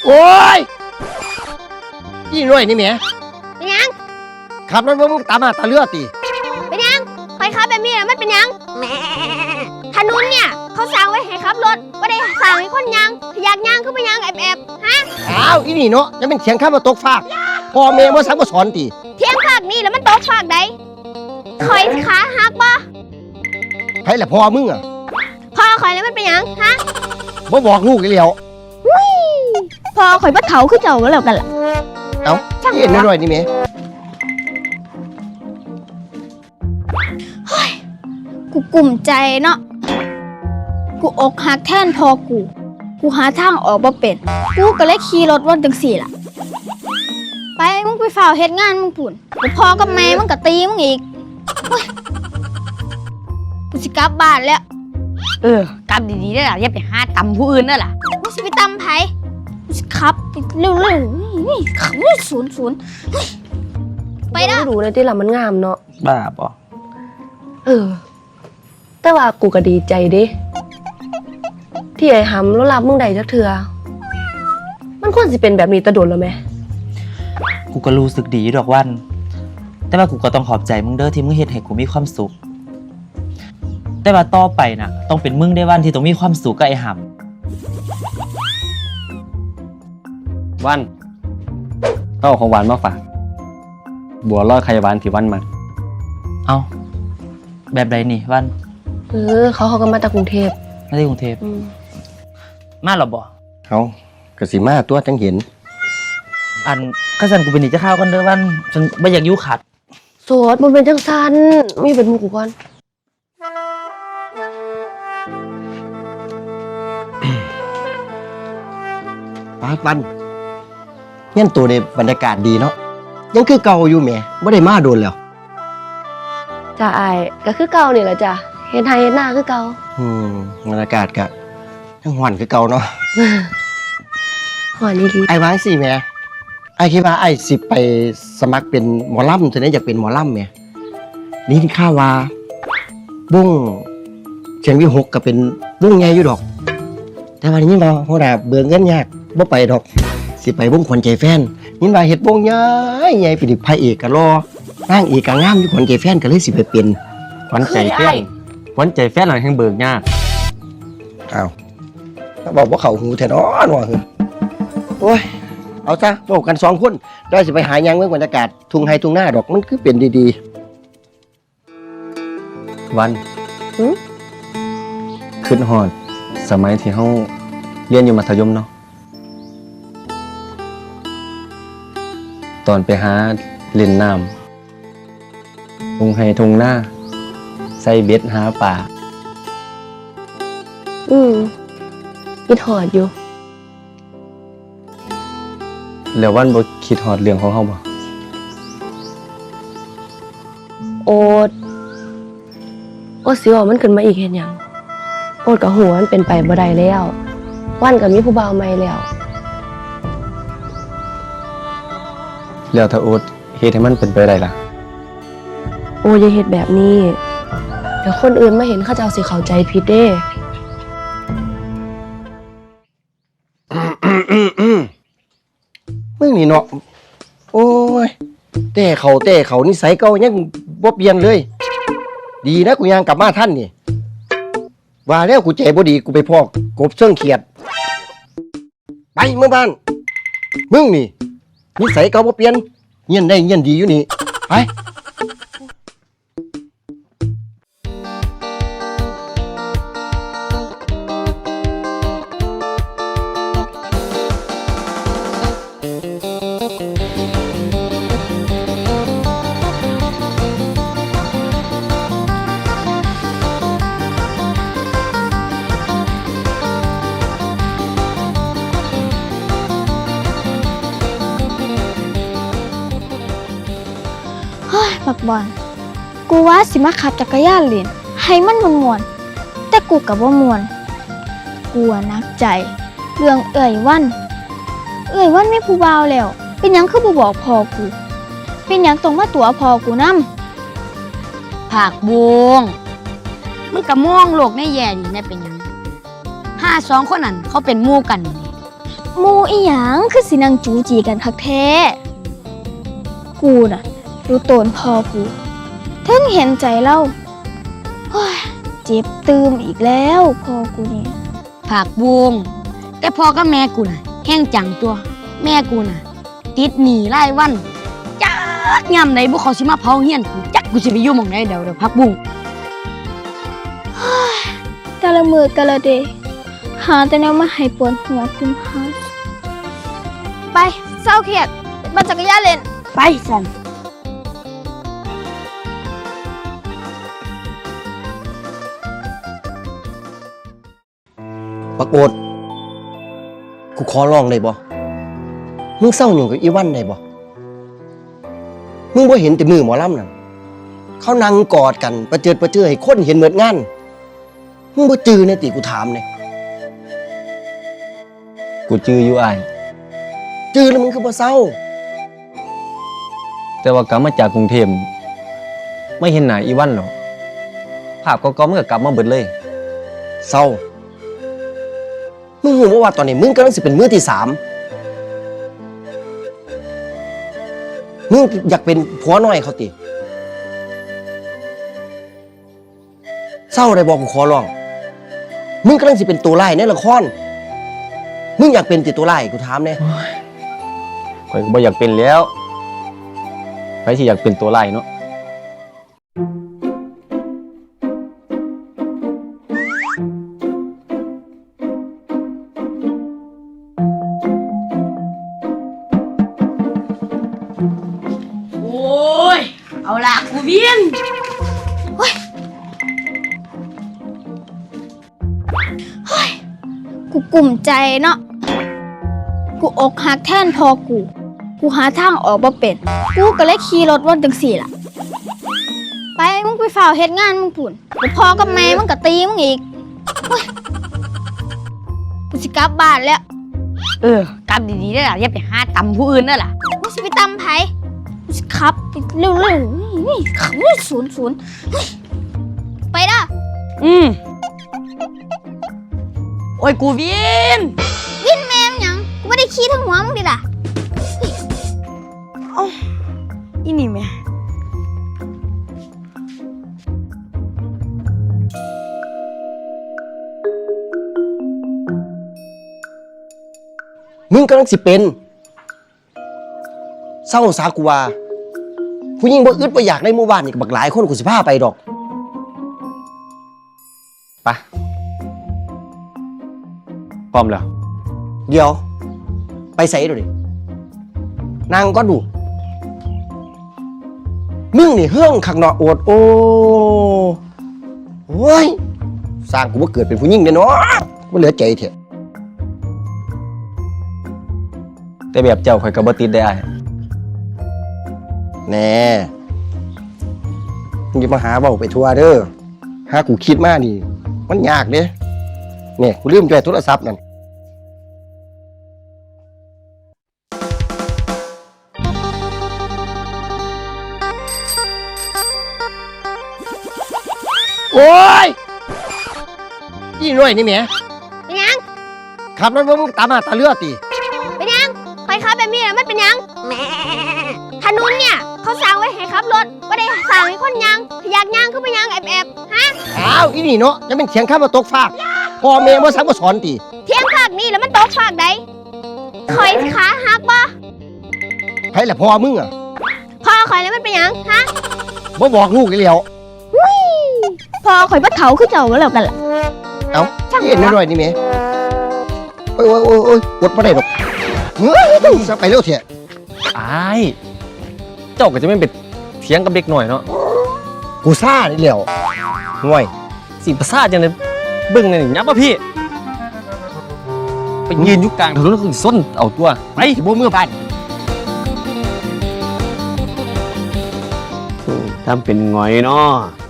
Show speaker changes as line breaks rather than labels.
โอ้ยยี่น้อยนี่แหม่
เป็นยัง
ขับรถมึงตามมาตาเลือดตี
เป็นยังใครขับแบบนี้มันเป็นยังแม่ถนนเนี่ยเขาสร้างไว้ให้ขับรถไม่ได้สร้างให้คนยังอยากยังคือเป็นยังแอบฮะ
อ้าวอีนี่เนาะจะเป็นเสียงข้ามมาตกฟากพ่อแม่มาสั่งมาสอนตี
เที่ยงฝากนี่แล้วมันตกฝากใดคอยขาหักบ่
ใครแหละพ่อมึงอ่ะ
พ่อคอยแล้วมันเป็นยังฮะ
บ่บอกลูกเลยแล้ว
พ่อคอยบัดเถาคือเจ้าแล้วกันล่ะ
เอ้าเห็นน้อยนี่แหม่
กูกลุ่มใจเนาะกูอกหักแทนพ่อกูหาทางออกบ่เป็นกูก็เลยขี่รถวนจังสี่ล่ะไปมึงไปฝ่าเฮ็ดงานมึงปุ่นกูพ่อกับแม่มึงก็ตีมึงอีกกูสิกลับบ้านแล้ว
กลับดีๆได้ล่ะอย่าไปหาตำผู้อื่นได้ล่ะ
มึงสิไปตำไผมึงสิขับเร็วๆนี่ขับศูนย์ไปเด้อ
ดูเลยที่ละมันงามเนาะ
บ้าป่ะ
แต่ว่ากูก็ดีใจดิที่ไอ้หำแล้วรับมึงได้จักเทื่อมันควรสิเป็นแบบนี้ตะโดนแล้วไหม
กูก็รู้สึกดีอยู่ดอกวันแต่ว่ากูก็ต้องขอบใจมึงเด้อที่มึงเฮ็ดให้กูมีความสุขแต่ว่าต่อไปน่ะต้องเป็นมึงได้วันที่ต้องมีความสุขกับไอ้ห
ำวันเอาของหวานมาฝากบัวลอยไข่หวานที่วันมา
เอาแบบใดนี่วัน
เขาก็มาจากกรุงเทพ
มาที่กรุงเทพมาหรอบ่
เขากระสีมาตัวจังเห็น
อันข้าสันกูเป็นหนีจะข้าวกันเด้อวันฉันไม่อยากยุ่ขัด
โสดมันเป็นจังสันมีเป็นมูกูก่อน
ปาดวันเงี้ยตัวในบรรยากาศดีเนาะยังคือเก่าอยู่แหม่ไม่ได้มาโดนแล้ว
จ้าไอ้ก็คือเก่านี่แหละจ้ะเห็นไทยเห็นหน้าคือเก่า
บรรยากาศก็ยังหวานคือเก่าเนาะ
หวานนี่ดี
ไอ้วางสิแม่ไอ้คิดว่าไอ้สิไปสมัครเป็นหมอลำจะได้อยากเป็นหมอลำแม่นี่ข้าว่าบุ้งเชียงวิหกก็เป็นบุ้งใหญ่อยู่ดอกแต่วันนี้เราโหดาเบื่อเงินยากบ่ไปดอกสิไปบุ้งขวัญใจแฟนนี่ว่าเฮ็ดบุ้งใหญ่ใหญ่ไปดิพระเอกก็รอนางเอกก็งามอยู่ขวัญใจแฟนก็เลยสิไปเป็น
ขวัญใจแฟนขวัญใจแฟนหลังแห่งเบิกยาก
อ้าวบอกว่าเขาหูแท้เนาะหน่อยโอ้ยเอาซะบอกกัน2 คนได้สิไปหายังเมื่อบรรยากาศทุ่งไฮทุ่งหน้าดอกมันคือเป็นดี
ๆวันขึ้นฮอดสมัยที่เฮาเรียนอยู่มัธยมเนาะตอนไปหาเล่นน้ำทุ่งไฮทุ่งหน้าใส่เบ็ดหาปลา
คิดหอดอยู่
แล้ววันบ่คิดหอดเรื่องของเฮาบ่
โอ๊ตสิว่ามันขึ้นมาอีกเห็นหยังโอ๊ตกับหัวมันเป็นไปบ่ได้แล้ววันกับมีผู้บ่าวใหม่
แล้วถ้าโอ๊ตเฮ็ดให้มันเป็นไปได้ล่ะ
โอ๊ตอย่าเฮ็ดแบบนี้เดี๋ยวคนอื่นมาเห็นเขาจะเอาสิเข้าใจผิดเด้
มึงนี่เนาะโอ้ยแต่เขานิสัยเก่ายังบ่เปลี่ยนเลยดีนะกูยังกลับมาท่านนี่ว่าแล้วกูใจบ่ดีกูไปพอกกบเชิงเขียดไปเมื่อบ้านมึงนี่นิสัยเก่าบ่เปลี่ยนเงียนได้เงียนดีอยู่นี่ไป
บักบอลกูว่าสิมาขับจักรยานเล่นให้มันม่วนๆแต่กูกับว่าม่วนกูนักใจเรื่องเอ่ยวันไม่ผู้บ่าวแล้วเป็นหยังคือบ่บอกพ่อกูเป็นหยังต้องมาตัวพ่อกูนำ
ผากบวงมึงก็มองโลกในแย่ดีนะเป็นหยัง2 คนนั้นเขาเป็นหมู่กันนี่
หมูอีหยังคือสินังจูจีกันคักแท้ กูน่ะรู้โตนพอกูถึงเห็นใจเล่าโอ้ยเจ็บตืมอีกแล้วพอกูนี่
ผักบุงแต่พ่อกับแม่กูน่ะแห้งจังตัว แม่กูน่ะ ติดหนี้รายวันจักยามไหนบุเขาสิมาเผาเฮียนกูจักกูสิไปอยู่หม่องไหนเดี๋ยวผักบุง
แต่ละมือแต่ละเดย์หาแต่แนวมาให้ปวดหัวคุณพาไปเศร้าเครียดปั่นจักรยานเล่น
ไปสัน
ปรากฏกูขอร้องได้บ่มึงเศร้าหยุ่งกับอีวันได้บ่มึงบ่เห็นแต่มือหมอลำนั่นเขานั่งกอดกันประเจิดให้คนเห็นเหมือนงานมึงบ่จือในติกูถามเนี่ย
กูจื้ออยู่อ้าย
จือแล้วมึงคือบ่เศร้า
แต่ว่ากลับมาจากกรุงเทพไม่เห็นหน้าอีวันหรอกภาพเก่าๆมันก็กลับมาเบิดเลย
เศร้า มึงรู้บ่ว่าตอนนี้มึงกำลังสิเป็นมือที่3มึงอยากเป็นผัวน้อยเขาติเศร้าได้บอกกูขอร้อง มึงกำลังสิเป็นตัวร้ายในละคร มึงอยากเป็นติตัวร้ายกูถามแน่
ข่อยก็บ่อยากเป็นแล้วใครสิอยากเป็นตัวร้ายเนาะ
โอ้ยเอาล่ะกูเวียน
กูกลุ่มใจเนาะ กูอกหักแทนพอกู กูหาทางออกบ่เป็น กูก็เลยขี่รถวนจังสี่ล่ะ ไปมึงไปฝ่าวเฮ็ดงานมึงปุ่นเดี๋ยวพ่อกับแม่มึงก็ตีมึงอีกโอ้ยกูสิกลับบ้านแล้ว
กลับดีๆได้ล่ะอย่าไปหาตำผู้อื่นได้ล่ะ
กูสิไปตำไผกูสิขับไปเร็วๆนี่ขับศูนย์เฮ้ยไปเด้อ
โอ้ยกูเวียน
วินแม่มหยัง กูไม่ได้ขี่ทั้งหัวมึงดิล่ะ
อีนี่แม่
มึงกำลังสิเป็นเศร้าสากูว่าผู้หญิงบ่อึดบ่อยากในหมู่บ้านนี่ก็บักหลายคนกูสิพาไปดอก
ไปพร้อมแล้ว
เดี๋ยว ไปใส่ดูดินางก็ดู มึงนี่เฮื่องขักเนาะโอดโอ้ยสร้างกูว่าเกิดเป็นผู้หญิงเด้อเนาะบ่เหลือใจเถอะ
แต่แบบเจ้าข่อยก็บ่ติดได้อ้าย
แน่มึงอย่ามาหาเว้าไปทั่วเด้อหากูคิดมานี่ มันยากเด้เนี่ยกูลืมจ่อยโทรศัพท์นั่นโอ้ยนี่หน่อยนี่แหม
เป็นหยัง
ขับรถมึงตามมาตาเลือดติ
เป็นหยังใครขับแบบนี้แล้วมันเป็นหยังแหม่ถนนเนี่ย เขาสร้างไว้ให้ขับรถไม่ได้สร้างให้คนยังอยากยังก็ไปยังแอบฮะ
อ้าวอีนี่เนาะจะเป็นเถียงข้ามมาตกฟากพ่อแม่บ่สั่งบ่สอนติ
เที่ยงภาคนี้แล้วมันตกภาคใดคอยขาหักบ่
ไผล่ะพ่อมึงอ่ะ
พ่อคอยแล้วมันเป็นหยังฮะ
บ่บอกลูกอีแล้ว
พ่อคอยบัดเถาขึ้นเจ้าแล้วกันล่ะ
เอ้าเห็นหน่อยนี่แหมโอ้ยกดบ่ได้ดอกเฮ้ยจะไปเร็วเถอะ
อ้ายเจ้าก็จะไม่เป็นเถียงกับเด็กหน่อยเนาะ
กูซ่านี่แล้วห่วย
สิประสาทจังเลยเบิ่งหน่อยยับป่ะพี่ ไปยืนอยู่กลางถนนแล้วก็ส้นเอาตัวไป
สิบ่มือบ้าน
ทำเป็นหงอยเนาะ